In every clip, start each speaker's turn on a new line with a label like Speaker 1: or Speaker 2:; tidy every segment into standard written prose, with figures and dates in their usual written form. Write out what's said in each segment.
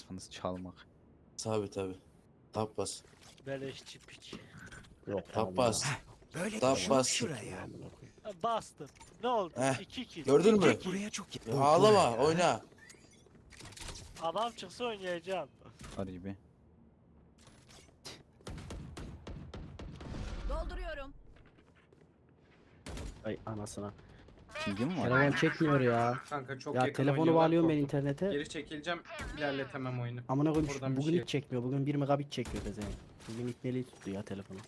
Speaker 1: amacınız çalmak.
Speaker 2: Tabi. Tap bas.
Speaker 3: Beleşçi piç.
Speaker 4: Yok.
Speaker 2: Tap bas.
Speaker 5: Böyle
Speaker 2: Tap
Speaker 5: düşün
Speaker 2: bas.
Speaker 5: şuraya.
Speaker 3: Ha, bastım. Ne oldu?
Speaker 2: Heh,
Speaker 3: 2 kill.
Speaker 2: gördün mü?
Speaker 3: 2 kill.
Speaker 5: Buraya çok
Speaker 2: Ya ağlama oyna.
Speaker 3: Adam çıksa oynayacağım.
Speaker 1: Haribi.
Speaker 6: Dolduruyorum.
Speaker 4: Ay anasına.
Speaker 1: Pingin mi var?
Speaker 4: Telefon çekmiyor ya.
Speaker 7: Kanka çok
Speaker 4: Ya
Speaker 7: yakın
Speaker 4: telefonu
Speaker 7: oynuyorlar,
Speaker 4: bağlıyorum ben
Speaker 7: korktum.
Speaker 4: internete.
Speaker 7: Geri çekileceğim, ilerletemem oyunu.
Speaker 4: Amına koyayım
Speaker 7: Oradan bir
Speaker 4: bugün
Speaker 7: şey-
Speaker 4: hiç çekmiyor. Bugün 1 megabit çekiyor dezen. Bugün itmeliği tuttu ya telefonu.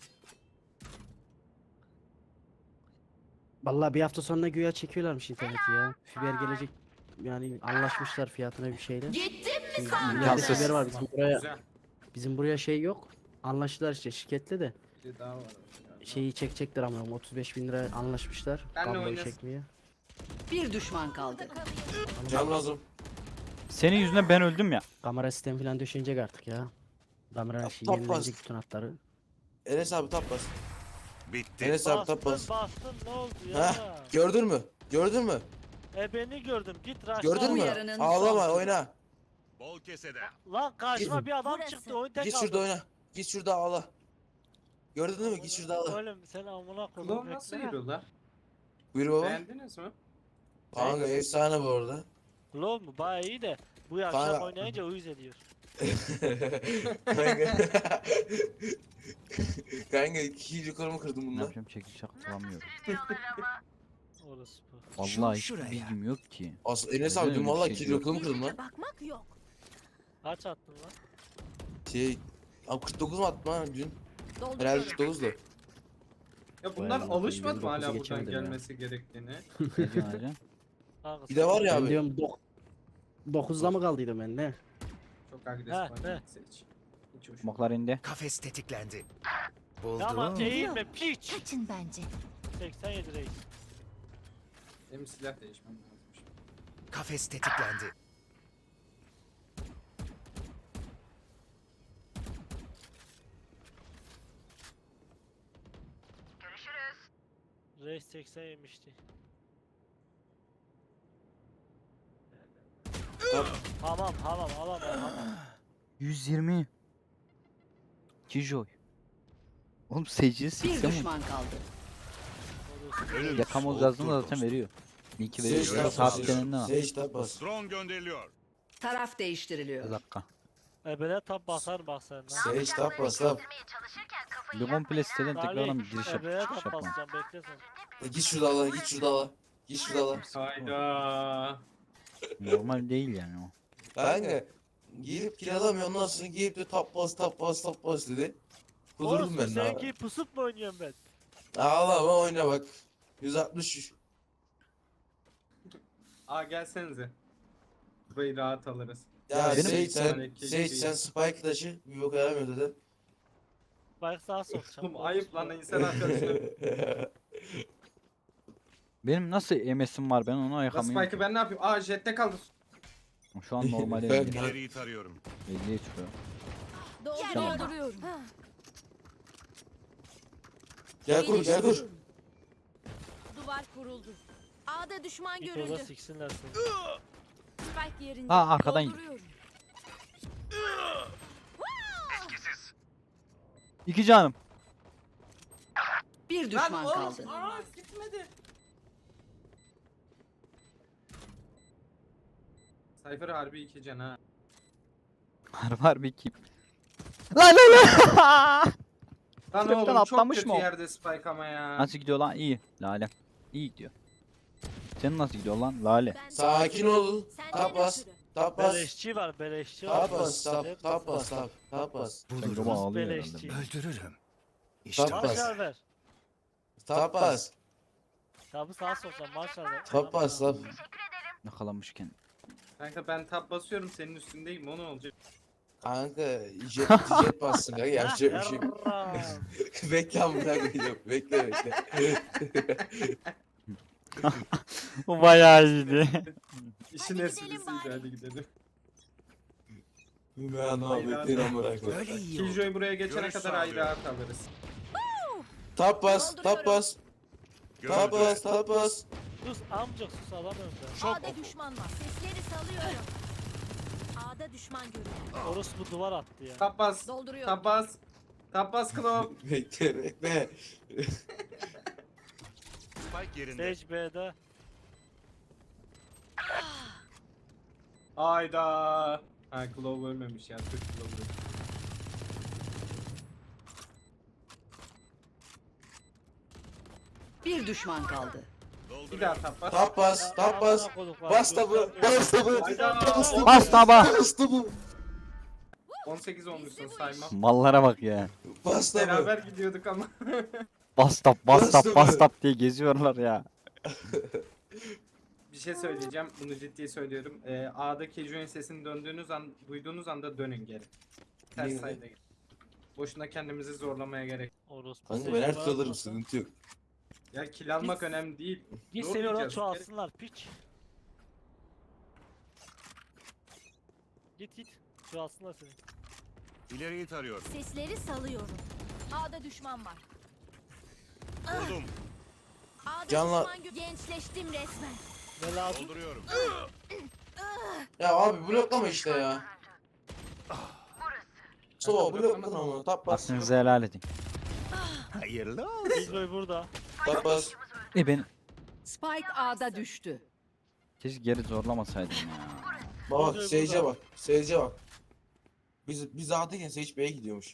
Speaker 4: Vallahi bir hafta sonra güya çekiyorlarmış interneti ya. Fiber gelecek yani anlaşmışlar fiyatına bir şeyle.
Speaker 6: Gittim mi
Speaker 4: Şimdi
Speaker 6: sandın?
Speaker 4: millette
Speaker 1: İmkansız.
Speaker 4: fiber var
Speaker 7: Güzel.
Speaker 4: bizim buraya şey yok. Anlaştılar işte şirketle de
Speaker 7: Bir daha var.
Speaker 4: şeyi çekecekler ama 35.000 lira anlaşmışlar.
Speaker 7: Benle
Speaker 4: Kabloyu
Speaker 7: oynasın.
Speaker 4: çekmeye.
Speaker 6: Bir düşman kaldı.
Speaker 2: Can lazım.
Speaker 1: Senin yüzünden ben öldüm ya.
Speaker 4: Kamera sistemi falan döşenecek artık ya. Kamera şey
Speaker 2: top
Speaker 4: yenilenecek
Speaker 2: bas.
Speaker 4: bütün hatları.
Speaker 2: Enes abi tap bas.
Speaker 5: bitti.
Speaker 2: Enes abi tap bas.
Speaker 3: Bastın ne oldu
Speaker 2: Heh,
Speaker 3: ya?
Speaker 2: gördün mü? Gördün mü?
Speaker 3: Beni gördüm. Git rush'la.
Speaker 2: Gördün mü?
Speaker 6: Uyarının
Speaker 2: Ağlama
Speaker 6: son
Speaker 2: oyna.
Speaker 5: Bol keseden.
Speaker 3: Lan karşıma
Speaker 2: Git.
Speaker 3: bir adam
Speaker 6: Burası.
Speaker 3: çıktı. Oyun tek
Speaker 2: Git
Speaker 3: aldı.
Speaker 2: şurada oyna. Git şurada ağla. Gördün mü? Git şurada ağla.
Speaker 3: Oğlum sen amına koydum.
Speaker 7: Klon nasıl yürüyor la?
Speaker 2: Buyur baba.
Speaker 7: Beğendiniz mi?
Speaker 2: Kanka efsane bu arada.
Speaker 3: Klon mu? Baya iyi de. Bu yaşta
Speaker 2: Kanka-
Speaker 3: oynayınca uyuz ediyor.
Speaker 2: Kanka. Kanka iki yukarımı kırdım
Speaker 1: Ne
Speaker 2: bununla.
Speaker 1: yapacağım çekiç atılamıyorum.
Speaker 3: Orası bu.
Speaker 1: Vallahi hiç
Speaker 5: şuraya.
Speaker 1: bilgim yok ki.
Speaker 2: Aslında Enes
Speaker 1: Neden
Speaker 2: abi dün
Speaker 1: öyle bir
Speaker 2: valla
Speaker 1: şey
Speaker 2: iki
Speaker 1: diyor?
Speaker 2: yukarımı kırdım lan.
Speaker 6: Bakmak yok.
Speaker 3: Kaç attın lan?
Speaker 2: Şey... Abi 49 mu attım ha dün? Herhalde
Speaker 6: Dolduruyorum.
Speaker 2: 49'du.
Speaker 7: Ya bunlar
Speaker 4: Bayağı
Speaker 7: alışmadı mı
Speaker 4: 29'u
Speaker 7: hala buradan
Speaker 4: geçemedim ya.
Speaker 7: gelmesi gerektiğini?
Speaker 1: Ne diyorsun hacı?
Speaker 3: Kanka,
Speaker 2: Bir de var ya
Speaker 4: Ben
Speaker 2: abi.
Speaker 4: diyorum 9'da mı kaldıydım ben ne?
Speaker 7: Çok agresif
Speaker 3: Ha,
Speaker 7: oynamak hiç. Hiç hoş.
Speaker 1: Smoke'lar indi.
Speaker 5: Kafes tetiklendi.
Speaker 3: Tamam
Speaker 5: Buldum.
Speaker 3: eğilme piç.
Speaker 6: Kaçın bence.
Speaker 3: 87 reis.
Speaker 7: Benim silah değişmem lazım.
Speaker 5: Kafes tetiklendi.
Speaker 3: Reis 80 yemişti. Tamam alamam.
Speaker 1: 120. Kijoy. Oğlum seyirci
Speaker 6: Bir
Speaker 1: sikse mi?
Speaker 6: düşman kaldı.
Speaker 5: Ölüm
Speaker 1: Yakamoz
Speaker 5: soğuktur
Speaker 1: yazdığında zaten
Speaker 5: dostum.
Speaker 1: veriyor. Linki
Speaker 2: Sage
Speaker 1: veriyor.
Speaker 2: tap
Speaker 1: Saat
Speaker 2: bas.
Speaker 1: kenarında var.
Speaker 2: Sage tap bas.
Speaker 5: Drone gönderiliyor.
Speaker 6: Taraf
Speaker 1: Bir
Speaker 6: değiştiriliyor.
Speaker 1: dakika.
Speaker 3: Ebele tab basar bak sen lan.
Speaker 2: Sage tap bas tap.
Speaker 1: Bir komple siteden tekrardan bir giriş
Speaker 3: Ebele
Speaker 1: çıkış
Speaker 3: tab
Speaker 1: yapmam.
Speaker 3: basacağım bekle sen.
Speaker 2: Git şurada ağla. Git şurada ağla. Git şurada ağla.
Speaker 7: Hayda.
Speaker 1: Normal değil yani o.
Speaker 2: Kanka. Girip kiralamıyor ondan sonra girip de tap bas dedi. Kudurdum
Speaker 3: Olsun
Speaker 2: ben de
Speaker 3: sen
Speaker 2: abi.
Speaker 3: ki pusup mu oynuyorum ben?
Speaker 2: Ağlama oyna bak. 160.
Speaker 7: Gelsenize. Burayı rahat alırız.
Speaker 2: Ya
Speaker 1: Benim-
Speaker 2: Sage sen Spike taşı bir bok yaramıyor dedi.
Speaker 3: Bak sağa sokacağım.
Speaker 7: Oğlum ayıp lan insan arkadaşlar.
Speaker 1: Benim nasıl MS'im var ben onu
Speaker 7: La
Speaker 1: ayakamıyorum.
Speaker 7: Spike'ı ben ne yapayım? Jette kaldı.
Speaker 1: Şu an normal
Speaker 2: Ben-
Speaker 1: 50.
Speaker 5: İleriyi tarıyorum.
Speaker 1: 50'ye çıkıyor.
Speaker 6: Dolduruyorum.
Speaker 2: Gel kur.
Speaker 6: Duvar kuruldu. A'da düşman
Speaker 3: Git orada
Speaker 6: görüldü.
Speaker 3: siksinler seni.
Speaker 6: Spike yerinde.
Speaker 1: Ha, arkadan gidiyor.
Speaker 6: Dolduruyorum.
Speaker 1: 2 canım.
Speaker 6: Bir düşman kaldı.
Speaker 7: Gitmedi. Cypher harbi 2 can ha.
Speaker 1: Var bir kim? Lan lan.
Speaker 7: Lan
Speaker 1: Trapten
Speaker 7: oğlum çok
Speaker 1: atlamış
Speaker 7: kötü
Speaker 1: mı o?
Speaker 7: yerde Spike ama ya.
Speaker 1: Nasıl gidiyor lan? İyi. Lale. İyi gidiyor. Senin nasıl gidiyor lan? Lale.
Speaker 2: Sakin ol. Tap bas. Tap bas.
Speaker 3: Beleşçi var beleşçi
Speaker 2: Tap
Speaker 3: var.
Speaker 2: bas. Tap bas. Tap bas.
Speaker 1: Sen
Speaker 5: Bulurum.
Speaker 1: Roma ağlıyor
Speaker 3: beleşçi.
Speaker 1: herhalde.
Speaker 5: Öldürürüm. İşte
Speaker 2: Tap
Speaker 5: bu.
Speaker 2: bas.
Speaker 3: Marşal ver.
Speaker 2: Tap bas.
Speaker 3: Tabı sağa sokacağım marşal ver.
Speaker 2: Tap bas. Tap.
Speaker 1: Yakalanmışken.
Speaker 7: Kanka ben tab basıyorum senin üstündeyim o ne olacak?
Speaker 2: Kanka jet bassın kanka yapacak bir şey yok.
Speaker 3: Yarram.
Speaker 2: Bekle amına koyayım. Bekle.
Speaker 1: Bu bayağı iyiydi.
Speaker 7: İşin
Speaker 6: Hadi
Speaker 7: esprisiydi
Speaker 6: gidelim bari.
Speaker 7: hadi gidelim.
Speaker 2: Ben Ahmet'in amına koyayım.
Speaker 5: Böyle iyi oldu.
Speaker 7: Killjoy buraya geçene
Speaker 5: Görüş
Speaker 7: kadar ayrı
Speaker 5: sağlıyorum.
Speaker 7: rahat alırız.
Speaker 2: Tap bas. Tap bas. Tap
Speaker 5: Görüldü.
Speaker 2: bas. Tap bas.
Speaker 3: Sus amcık sus adam önde.
Speaker 5: Şok
Speaker 6: A'da
Speaker 5: oku.
Speaker 6: düşman var. Sesleri salıyorum. A'da A'da düşman görüldü.
Speaker 3: Orospu duvar attı ya.
Speaker 7: Tap bas.
Speaker 6: Dolduruyorum.
Speaker 7: Tap bas. Tap bas Klov.
Speaker 2: Bekle bekle.
Speaker 5: Spike yerinde.
Speaker 3: Sage B'de.
Speaker 7: Hayda. Ha Klov ölmemiş ya. Türk Klov ölmüş.
Speaker 8: Bir düşman kaldı.
Speaker 7: Bir daha tap bas.
Speaker 2: Tap bas, tap bas.
Speaker 3: Amına koyduk var.
Speaker 2: Bas tabı, bas tabı.
Speaker 7: Hayda.
Speaker 1: Bas taba.
Speaker 2: Bas tabı.
Speaker 7: 18 olmuşsun sayma.
Speaker 1: Mallara bak ya.
Speaker 2: Bas tabı.
Speaker 7: Beraber gidiyorduk ama.
Speaker 1: Bas tap bas tap
Speaker 2: Nasıl
Speaker 1: bas
Speaker 2: be?
Speaker 1: tap diye geziyorlar ya.
Speaker 7: Bir şey söyleyeceğim. Bunu ciddi söylüyorum. A'daki Jun sesini duyduğunuz anda dönün geri. Ters
Speaker 2: Niye?
Speaker 7: sayıda gidin. Boşuna kendimizi zorlamaya gerek.
Speaker 3: Orospu.
Speaker 2: Kanka
Speaker 3: Sage
Speaker 2: ben her
Speaker 3: bana
Speaker 2: türlü alırım,
Speaker 3: atmasın.
Speaker 2: sıkıntı yok.
Speaker 7: Ya kill almak önemli değil.
Speaker 3: Git
Speaker 7: Zor
Speaker 3: seni oradan
Speaker 7: diyeceğiz.
Speaker 3: çoğalsınlar piç. Git. Çoğalsınlar seni.
Speaker 5: İleriyi tarıyorum.
Speaker 6: Sesleri salıyorum. A'da düşman var.
Speaker 5: Buldum.
Speaker 6: A'da
Speaker 2: Canla-
Speaker 6: düşman gençleştim resmen.
Speaker 3: Ne lazım?
Speaker 5: Dolduruyorum.
Speaker 2: Ya abi bloklama işte ya. Sova bloklama ama tap bas.
Speaker 1: Aklınızı helal edin.
Speaker 5: Hayırlı
Speaker 3: Bizboy burada.
Speaker 2: Tap bas.
Speaker 1: Ben
Speaker 8: Spike A'da düştü.
Speaker 1: keşke geri zorlamasaydım ya.
Speaker 2: Bak
Speaker 3: Burada,
Speaker 2: Sage'e
Speaker 3: burada.
Speaker 2: bak. Sage'e bak. Biz A'dayken Sage B'ye gidiyormuş.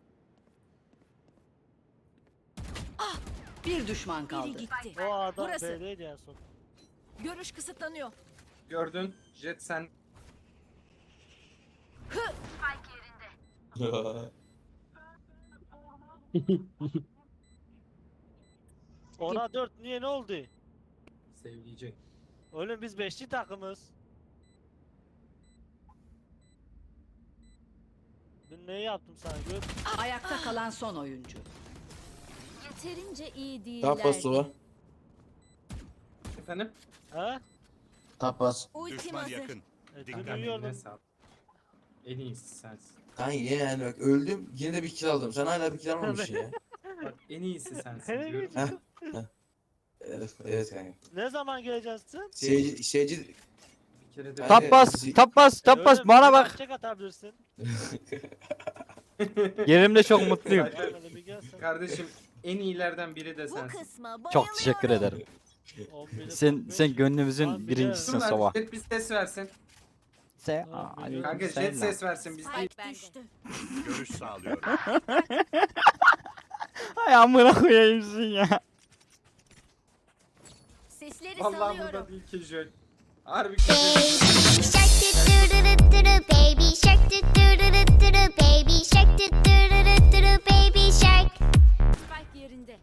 Speaker 8: Bir düşman
Speaker 6: Biri
Speaker 8: kaldı.
Speaker 6: gitti.
Speaker 3: O adam
Speaker 6: Burası.
Speaker 3: B'deydi en son.
Speaker 6: Görüş kısıtlanıyor.
Speaker 7: Gördün. Jet sen.
Speaker 3: Ona 4 niye ne oldu?
Speaker 7: Sevleyecek.
Speaker 3: Oğlum biz 5'li takımız. Ben neyi yaptım sana gör.
Speaker 8: Ayakta kalan son oyuncu.
Speaker 6: Yeterince iyi değiller.
Speaker 2: Tap bas Sova.
Speaker 7: Efendim?
Speaker 3: He?
Speaker 2: Tap bas.
Speaker 6: Ultim
Speaker 5: Düşman
Speaker 6: hazır.
Speaker 5: yakın.
Speaker 3: Dün
Speaker 5: Dikkat.
Speaker 7: Eline
Speaker 3: uyuyordum.
Speaker 7: sağlık. En iyisi sensin.
Speaker 2: Kanka yani bak öldüm yine de bir kill aldım. Sen hala bir kill almamışsın ya.
Speaker 7: Bak en iyisi sensin
Speaker 3: Nereye
Speaker 7: diyorum.
Speaker 3: gidiyorsun?
Speaker 2: Evet kanka.
Speaker 3: Ne zaman geleceksin?
Speaker 2: Seyirci
Speaker 7: Bir kere de
Speaker 2: Ben
Speaker 1: Tap
Speaker 2: de-
Speaker 1: bas tap bas tap bas
Speaker 3: Oğlum,
Speaker 1: bana
Speaker 3: bir
Speaker 1: bak.
Speaker 3: Çek atabilirsin.
Speaker 1: Yerimde çok mutluyum.
Speaker 3: Gelmedi bir gelsin.
Speaker 7: Kardeşim en iyilerden biri de
Speaker 6: Bu
Speaker 7: sensin.
Speaker 6: kısma bayılıyorum.
Speaker 1: Çok teşekkür ederim.
Speaker 3: 11'e
Speaker 1: Sen
Speaker 3: 45.
Speaker 1: sen
Speaker 3: Lan
Speaker 1: gönlümüzün
Speaker 3: bir
Speaker 1: birincisisin
Speaker 7: Dur lan,
Speaker 1: Sova.
Speaker 7: Jet bir ses versin.
Speaker 1: Se
Speaker 3: Lan
Speaker 1: Aa,
Speaker 3: biliyorum.
Speaker 7: Kanka
Speaker 1: sen
Speaker 7: Jet
Speaker 1: lan.
Speaker 7: ses versin biz değil.
Speaker 6: Spike düştü.
Speaker 5: Görüş sağlıyorum.
Speaker 1: Ay amına koyayım sen ya.
Speaker 6: Sesleri
Speaker 7: Vallahi
Speaker 6: salıyorum.
Speaker 7: burada değil ki Jet. Harbi ki Jet.
Speaker 9: Shark do do do do do baby shark do do do do do do baby shark do do do do do do baby shark.
Speaker 6: Spike yerinde.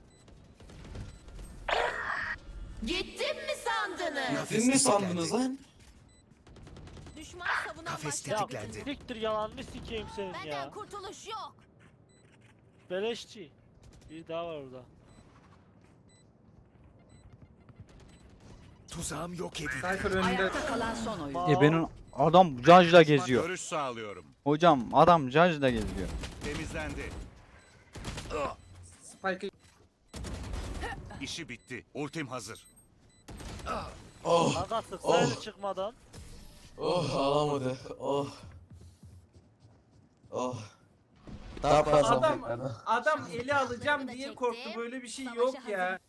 Speaker 6: Gittim mi sandınız?
Speaker 2: Siz ne sandınız lan?
Speaker 6: Düşman savunan
Speaker 5: Kafes
Speaker 6: başladı.
Speaker 5: tetiklendi.
Speaker 3: Siktir yalanını sikeyim senin
Speaker 6: Benden
Speaker 3: ya.
Speaker 6: kurtuluş yok.
Speaker 3: Beleşçi. Bir daha var orada.
Speaker 5: Tuzağım yok edildi.
Speaker 7: Cypher önünde.
Speaker 8: Ayakta kalan son oyuncu.
Speaker 1: Benim adam Judge'la geziyor.
Speaker 5: Görüş sağlıyorum.
Speaker 1: Hocam adam Judge'la geziyor.
Speaker 5: Temizlendi.
Speaker 7: Spike'ı
Speaker 5: İşi bitti. Ultim hazır.
Speaker 2: Oh
Speaker 3: Kanka sıksaydı
Speaker 2: Oh.
Speaker 3: çıkmadan.
Speaker 2: oh alamadı. Oh. Oh. Tap bas.
Speaker 7: Adam-
Speaker 2: Adam.
Speaker 7: adam eli alacağım
Speaker 6: da
Speaker 7: diye
Speaker 6: çektim.
Speaker 7: korktu. Böyle bir şey
Speaker 6: Savaşa
Speaker 7: yok
Speaker 6: hazır.
Speaker 7: ya.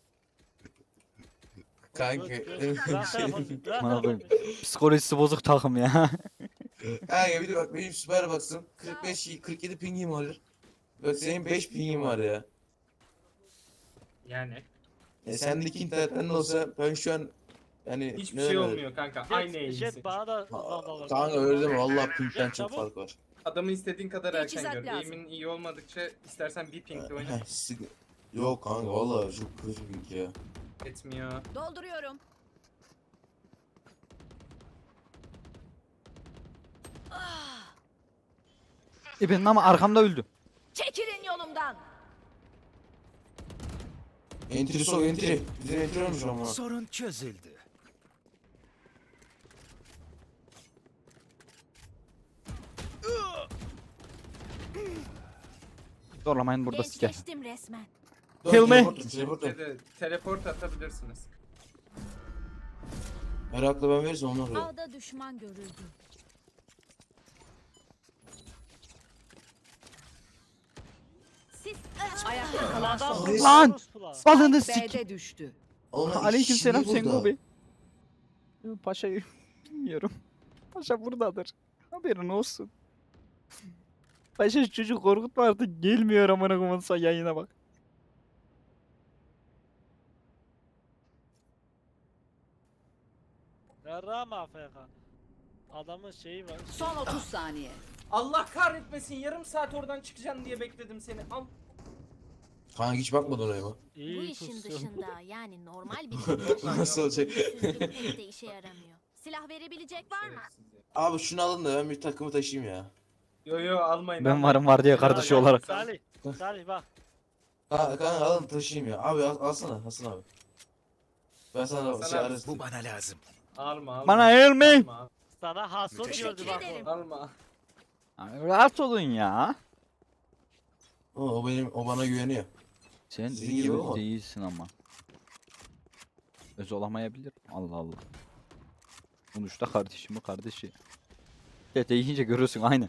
Speaker 2: Kanka.
Speaker 3: Bırak telefonu. Bırak
Speaker 1: Bana
Speaker 3: telefonu.
Speaker 1: Psikolojisi bozuk takım ya.
Speaker 2: Kanka bir de bak benim süper baksın. 47 pingim var. Bak senin 5 pingin var ya.
Speaker 7: Yani
Speaker 2: Sendeki internetten de olsa ben şu an yani
Speaker 7: hiçbir
Speaker 2: ne
Speaker 7: şey
Speaker 2: demek?
Speaker 7: olmuyor kanka. Aynı
Speaker 3: Jet,
Speaker 7: eğilsin.
Speaker 3: Jet bana da uzanmalar.
Speaker 2: Kanka öyle deme vallahi pingden
Speaker 3: Jet,
Speaker 2: çok
Speaker 3: çabuk.
Speaker 2: fark var.
Speaker 7: Adamı istediğin kadar erken
Speaker 6: Teçhizat
Speaker 7: gör.
Speaker 6: lazım.
Speaker 7: Eğimin iyi olmadıkça istersen bir pinkle oyna.
Speaker 2: Yok kanka vallahi çok kötü ping ya.
Speaker 7: Etmiyor.
Speaker 6: Dolduruyorum.
Speaker 1: Benim ama arkamda öldü.
Speaker 6: Çekilin yolumdan.
Speaker 2: Entry sok entry. Bizim entry olmuş ama.
Speaker 5: Sorun çözüldü.
Speaker 1: Zorlamayın burada siker.
Speaker 6: Gençleştim resmen.
Speaker 2: Dur,
Speaker 1: Kill me.
Speaker 2: teleport.
Speaker 7: Teleport atabilirsiniz.
Speaker 2: Merakla ben verirsem onu alıyor.
Speaker 6: A'da düşman görüldü.
Speaker 8: Ayakta kalan son
Speaker 3: Adam
Speaker 8: oyuncu.
Speaker 1: Lan!
Speaker 3: Orospular.
Speaker 1: Balını
Speaker 8: Spike
Speaker 1: sik.
Speaker 8: B'de düştü.
Speaker 2: Oğlum,
Speaker 1: Aleykümselam
Speaker 2: işçiliği
Speaker 1: Sengo
Speaker 2: burada.
Speaker 1: Bey. Paşa'yı bilmiyorum. Paşa buradadır. Haberin olsun. Paşa şu çocuk korkutma artık gelmiyor amına koyayım son yayına bak.
Speaker 3: Yarrağım AFK. Adamın şeyi var.
Speaker 8: Son 30 saniye.
Speaker 7: Allah kahretmesin, yarım saat oradan çıkacaksın diye bekledim seni. Al.
Speaker 2: Kanka hiç bakmadın oraya bak.
Speaker 6: Bu
Speaker 3: İyi
Speaker 6: işin
Speaker 3: pusu.
Speaker 6: dışında yani normal bir durumda
Speaker 2: Nasıl olacak?
Speaker 6: sözlük pek de işe yaramıyor. Silah verebilecek var mı?
Speaker 2: Abi şunu alın da ben bir takımı taşıyayım ya.
Speaker 7: Yo almayın.
Speaker 1: Ben
Speaker 7: almayın.
Speaker 1: varım var diye
Speaker 7: Ya,
Speaker 1: kardeşi
Speaker 7: ya,
Speaker 1: olarak.
Speaker 3: Salih. Salih bak.
Speaker 2: Kanka alın taşıyayım ya. Abi alsana Hasan abi. Ben sana
Speaker 7: Hasan
Speaker 2: şey
Speaker 7: abi,
Speaker 2: arasın.
Speaker 5: Bu bana lazım.
Speaker 7: Alma.
Speaker 1: Bana elmi.
Speaker 7: Alma.
Speaker 3: Sana hason
Speaker 5: Teşekkür
Speaker 3: gördü bak
Speaker 6: ederim.
Speaker 3: o.
Speaker 7: Alma.
Speaker 1: Rahat olun ya.
Speaker 2: O bana güveniyor.
Speaker 1: Sen
Speaker 2: Sizin
Speaker 1: iyi
Speaker 2: gibi ama.
Speaker 1: değilsin ama. Öz olamayabilir. Allah Allah. Sonuçta kardeşimi kardeşi. Dede yiyince görürsün aynı.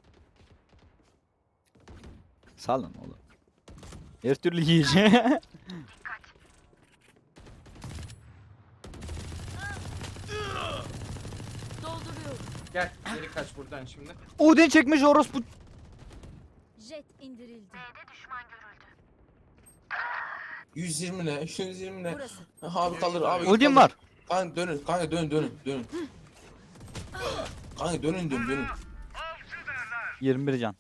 Speaker 1: Salın oğlum. Her türlü yiyeceğim.
Speaker 6: Dolduruyorum.
Speaker 7: Gel geri kaç buradan şimdi.
Speaker 1: Odin çekmiş orospu.
Speaker 6: Jet indirildi.
Speaker 2: 120 ne? 120 ne?
Speaker 6: Burası.
Speaker 2: Abi kalır abi.
Speaker 1: Odin
Speaker 2: kalır.
Speaker 1: var.
Speaker 2: Kanka dönün. Kanka dönün. Kanka dönün.
Speaker 1: 21 can.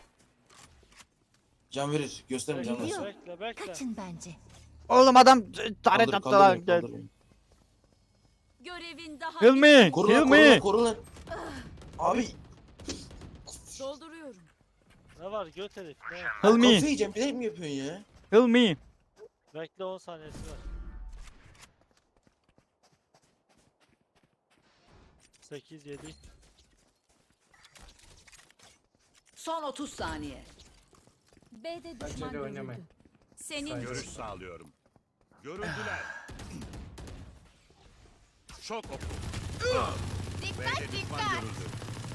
Speaker 2: Can verir. Gösterin can
Speaker 6: Geliyor.
Speaker 2: versin.
Speaker 3: Bekle.
Speaker 6: Kaçın bence.
Speaker 1: Oğlum adam taret
Speaker 2: Kaldır,
Speaker 1: attı
Speaker 2: kaldır
Speaker 1: lan
Speaker 2: beni,
Speaker 1: gel.
Speaker 2: kaldır beni.
Speaker 6: Görevin daha
Speaker 1: Kill me.
Speaker 2: Koru
Speaker 1: Kill
Speaker 2: lan,
Speaker 1: me.
Speaker 2: koru lan. Abi
Speaker 6: dolduruyorum.
Speaker 3: Ne var göt herif ne?
Speaker 1: Kill
Speaker 2: kafayı
Speaker 1: me.
Speaker 2: yiyeceğim. Bilerek mi yapıyorsun ya?
Speaker 1: Kill me.
Speaker 3: Bekle 10 saniyesi var. 8 7.
Speaker 8: Son 30 saniye.
Speaker 6: B'de
Speaker 7: Bence
Speaker 6: düşman
Speaker 7: de oynamayın.
Speaker 6: görüldü. Senin
Speaker 7: Sayın.
Speaker 5: Görüş sağlıyorum. Görüldüler. Şok oku. B'de düşman görüldü.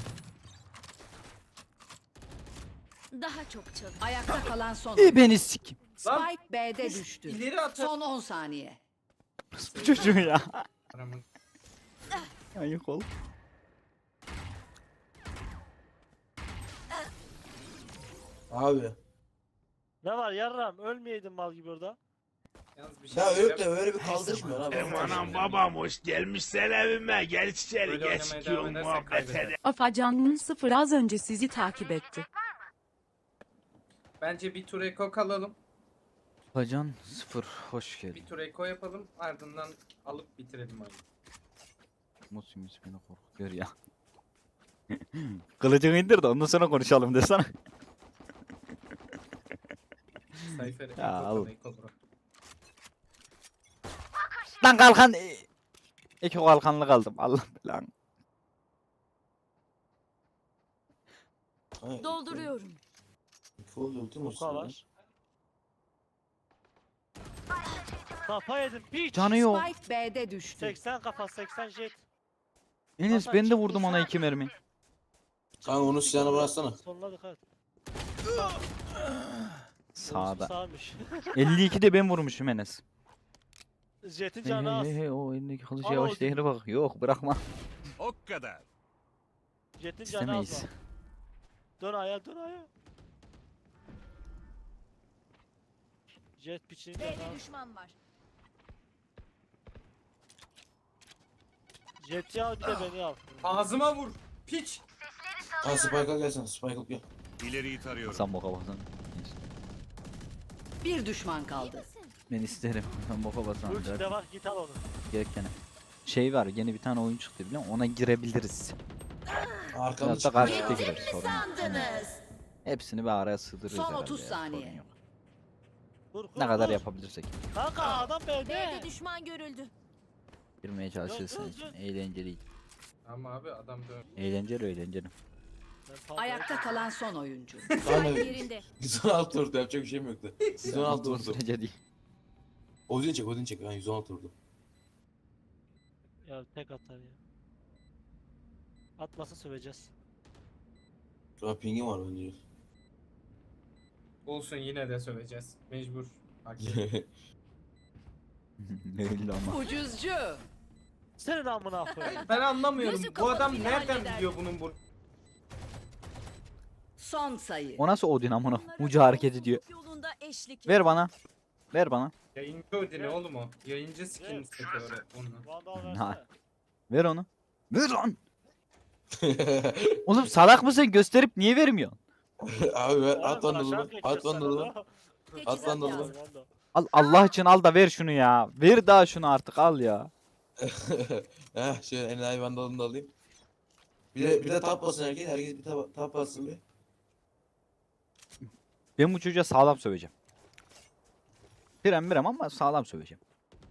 Speaker 6: daha çok çalış.
Speaker 8: Ayakta kalan son
Speaker 1: İyi
Speaker 8: oyuncu.
Speaker 1: beni sik.
Speaker 8: Spike B'de düştü.
Speaker 7: İleri atar.
Speaker 8: Son 10 saniye.
Speaker 1: Bu çocuğu ya.
Speaker 7: Aramın.
Speaker 1: Ayık ol.
Speaker 2: Abi.
Speaker 3: Ne var yarram ölmeyeydin mal gibi orada.
Speaker 7: Yalnız bir şey
Speaker 2: Ya
Speaker 7: söyleyeceğim.
Speaker 2: öyle de öyle bir kaldırışmıyor abi.
Speaker 10: Anam babam hoş gelmişsen evime gel içeri
Speaker 7: Böyle
Speaker 10: geç
Speaker 7: oynamaya
Speaker 10: ki
Speaker 7: devam edersek
Speaker 10: muhabbet
Speaker 7: kaybederiz.
Speaker 10: edelim.
Speaker 11: Afacan'ın sıfır az önce sizi takip etti.
Speaker 7: Bence bir tur eko kalalım.
Speaker 1: Bacan 0 hoş geldin.
Speaker 7: Bir tur eko yapalım. Ardından alıp bitirelim oyunu.
Speaker 1: Mutsuz beni korkutuyor ya. Kılıcını indir de ondan sonra konuşalım desene.
Speaker 7: Sayfer eko
Speaker 1: Ya,
Speaker 7: kal,
Speaker 1: al.
Speaker 7: eko bro.
Speaker 1: Lan kalkan. İki kalkanlı kaldım. Allah belanı.
Speaker 6: Dolduruyorum.
Speaker 2: Full ultim
Speaker 3: Bu
Speaker 2: olsun.
Speaker 3: var. Kafa yedim piç.
Speaker 1: Canı yok.
Speaker 8: Spike B'de düştü.
Speaker 3: 80 kafa 80 jet.
Speaker 1: Enes
Speaker 3: Hasan
Speaker 1: ben de
Speaker 3: çıktı
Speaker 1: vurdum ona
Speaker 3: sen.
Speaker 1: 2 mermi.
Speaker 2: Kanka onun silahını bıraksana.
Speaker 3: Sonuna dikkat.
Speaker 1: Sağda.
Speaker 3: Sağmış.
Speaker 1: 52'de ben vurmuşum Enes.
Speaker 3: Jet'in
Speaker 1: Hey,
Speaker 3: canı az.
Speaker 1: hey, hey, o elindeki kılıç
Speaker 3: Al
Speaker 1: yavaş
Speaker 3: o-
Speaker 1: değeri bak. Yok bırakma.
Speaker 5: O kadar.
Speaker 3: Jet'in canı az
Speaker 1: İstemeyiz.
Speaker 3: var. Dön aya dön aya. Jet piçinin canı
Speaker 6: B'de
Speaker 3: az.
Speaker 6: düşman var.
Speaker 3: Jet'i al bir de beni al.
Speaker 7: Ağzıma vur. Piç.
Speaker 2: Kanka Spike'a gelsene. Spike'a gel.
Speaker 5: İleriyi tarıyorum.
Speaker 1: Sen boka basan.
Speaker 8: Bir düşman kaldı.
Speaker 1: Ben isterim. Ben boka basan.
Speaker 3: Ulti de var git al onu.
Speaker 1: Gerekene. Şey var yeni bir tane oyun çıktı biliyor musun? Ona girebiliriz.
Speaker 2: Arkamda
Speaker 1: Hatta karşı
Speaker 2: çıkıyor ya.
Speaker 1: gireriz sorun yok.
Speaker 6: Sandınız.
Speaker 1: Hepsini bir araya sığdırırız
Speaker 8: Son
Speaker 1: herhalde
Speaker 8: 30
Speaker 1: ya,
Speaker 8: saniye.
Speaker 1: sorun yok.
Speaker 3: Kur,
Speaker 1: Ne kadar
Speaker 3: kur.
Speaker 1: yapabilirsek.
Speaker 3: Kanka adam
Speaker 6: B'de
Speaker 3: B'de.
Speaker 6: düşman görüldü.
Speaker 1: Girmeye çalışırsın için. Eğlenceli.
Speaker 7: Ama abi adam dön.
Speaker 1: Eğlenceli.
Speaker 3: Ben pardon.
Speaker 8: Ayakta kalan son oyuncu.
Speaker 2: Kanka
Speaker 6: Yerinde.
Speaker 2: 116 vurdu yapacak bir şeyim yoktu. 116 vurdu.
Speaker 1: Sürece değil.
Speaker 2: Odin çek. Ben 116 vurdu.
Speaker 3: Ya tek atar ya. Atmasa söveceğiz.
Speaker 2: Şu an pingim var bence.
Speaker 7: Olsun yine de söveceğiz. Mecbur. Hak ediyor.
Speaker 1: Öyle ama.
Speaker 8: Ucuzcu.
Speaker 3: Senin amına koyayım.
Speaker 7: Ben anlamıyorum.
Speaker 6: Gözü
Speaker 7: Bu adam
Speaker 6: kapalı bile
Speaker 7: nereden
Speaker 6: halleder.
Speaker 7: biliyor bunun bu?
Speaker 8: Son sayı.
Speaker 1: O nasıl Odin amına? Ucu hareket ediyor.
Speaker 6: Yolunda eşlik
Speaker 1: Ver bana. Ver bana.
Speaker 7: Yayıncı Odin'i oğlum o. Yayıncı skin seti öyle onu.
Speaker 3: Vandal
Speaker 1: Ha.
Speaker 3: versene.
Speaker 1: Ver onu. Ver lan. Oğlum salak mısın? Gösterip niye vermiyorsun?
Speaker 2: Abi ver
Speaker 3: Oğlum,
Speaker 2: at lan
Speaker 3: aşağı
Speaker 2: dolu.
Speaker 3: geçeceğiz
Speaker 2: At lan
Speaker 3: sana
Speaker 2: dolu.
Speaker 3: da.
Speaker 2: At lan dolu.
Speaker 3: Vandal.
Speaker 1: Al Allah için al da ver şunu ya. Ver daha şunu artık al ya.
Speaker 2: Heh şöyle enayi vandalını da alayım. Bir de tap basın herkes. Herkes bir tap bassın bir.
Speaker 1: Ben bu çocuğa sağlam söveceğim. Birem ama sağlam söveceğim.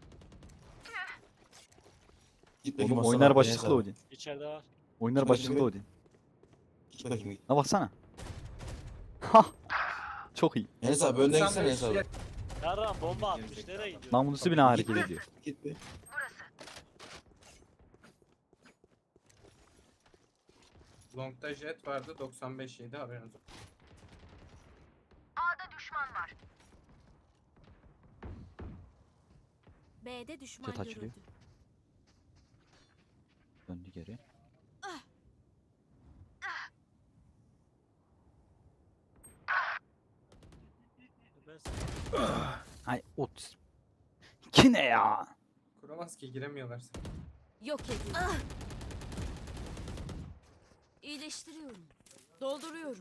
Speaker 2: Git
Speaker 1: Oğlum
Speaker 2: bakayım
Speaker 1: oynar
Speaker 2: Aslan abi,
Speaker 1: başlıklı
Speaker 2: neyse abi.
Speaker 1: Odin.
Speaker 3: İçeride var.
Speaker 1: Oynar
Speaker 2: Git
Speaker 1: başlıklı
Speaker 2: bakayım.
Speaker 1: Odin.
Speaker 2: Git bakayım git.
Speaker 1: Ne baksana. Ha. Çok iyi.
Speaker 2: Enes abi önden
Speaker 7: Sen
Speaker 2: gitsene
Speaker 7: de
Speaker 2: Enes abi.
Speaker 3: Yarram bomba atmış. Nereye gidiyor?
Speaker 1: Namusu bile hareket ediyor.
Speaker 2: Git be.
Speaker 7: Long'da jet vardı 95 yedi haberiniz olsun.
Speaker 6: B'de düşman
Speaker 1: Jet açılıyor.
Speaker 6: görüldü.
Speaker 1: Döndü geri.
Speaker 3: Ben sana-
Speaker 1: Ay ot. Ki ne ya?
Speaker 7: Kuramaz ki giremiyorlar.
Speaker 6: Yok edildi. İyileştiriyorum. Dolduruyorum.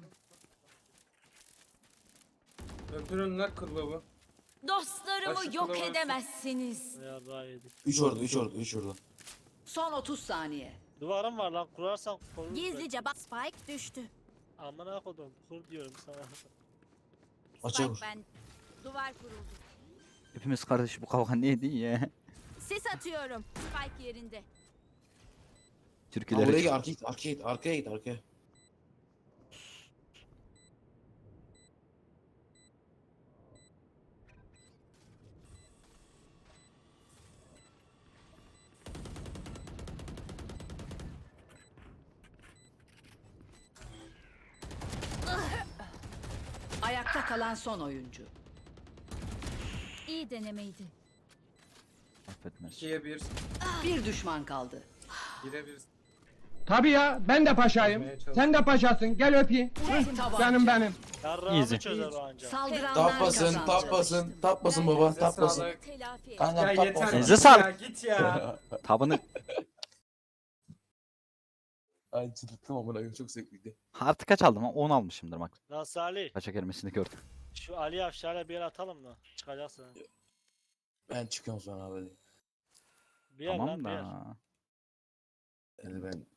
Speaker 7: Öpürün lan kılıbı.
Speaker 6: Dostlarımı
Speaker 7: Başka
Speaker 6: yok
Speaker 7: kulağı-
Speaker 6: edemezsiniz.
Speaker 3: Yarrağı yedik.
Speaker 2: 3 orada 3 orada 3 orada.
Speaker 8: Son 30 saniye.
Speaker 3: Duvarım var lan kurarsan koruruz.
Speaker 6: Gizlice bak, Spike düştü.
Speaker 3: Amına kodum kur diyorum sana.
Speaker 2: Açığa
Speaker 6: Spike
Speaker 2: vur.
Speaker 6: ben. Duvar kuruldu.
Speaker 1: Hepimiz kardeş bu kavga neydi ya?
Speaker 6: Sis atıyorum. Spike yerinde.
Speaker 2: Aa, buraya
Speaker 1: Türküleri.
Speaker 2: git arkaya git arkaya.
Speaker 8: Ayakta kalan son oyuncu.
Speaker 6: İyi denemeydi.
Speaker 1: Affetmez.
Speaker 7: 2'ye 1.
Speaker 8: Bir düşman kaldı.
Speaker 7: 1'e 1.
Speaker 10: Tabii ya ben de paşayım. Sen de paşasın gel öpeyim.
Speaker 8: Tek tabanca.
Speaker 10: Canım benim.
Speaker 3: Yarrağımı
Speaker 1: Easy.
Speaker 3: çözer o anca.
Speaker 8: Saldıranlar
Speaker 2: Tap basın
Speaker 8: kazandı.
Speaker 2: tap basın baba
Speaker 7: Size
Speaker 2: tap basın.
Speaker 7: sağlık.
Speaker 6: Telafi et.
Speaker 2: Kanka
Speaker 7: Ya
Speaker 2: tap
Speaker 7: yeter.
Speaker 2: basın.
Speaker 1: Elinize
Speaker 7: git
Speaker 1: sağlık.
Speaker 7: ya, Git ya.
Speaker 1: Tabını
Speaker 2: Ay çıldırttım amına koyayım çok zevkliydi.
Speaker 1: artık kaç aldım? 10 almışımdır bak.
Speaker 3: Lan Salih.
Speaker 1: Kaça gelmesini gördüm.
Speaker 3: Şu Ali Afşar'a bir yer atalım mı? Çıkacaksın.
Speaker 2: Ben çıkıyorum sonra abi.
Speaker 3: Bir yer lan
Speaker 1: Tamam
Speaker 3: bir yer.
Speaker 1: da.
Speaker 2: Yani ben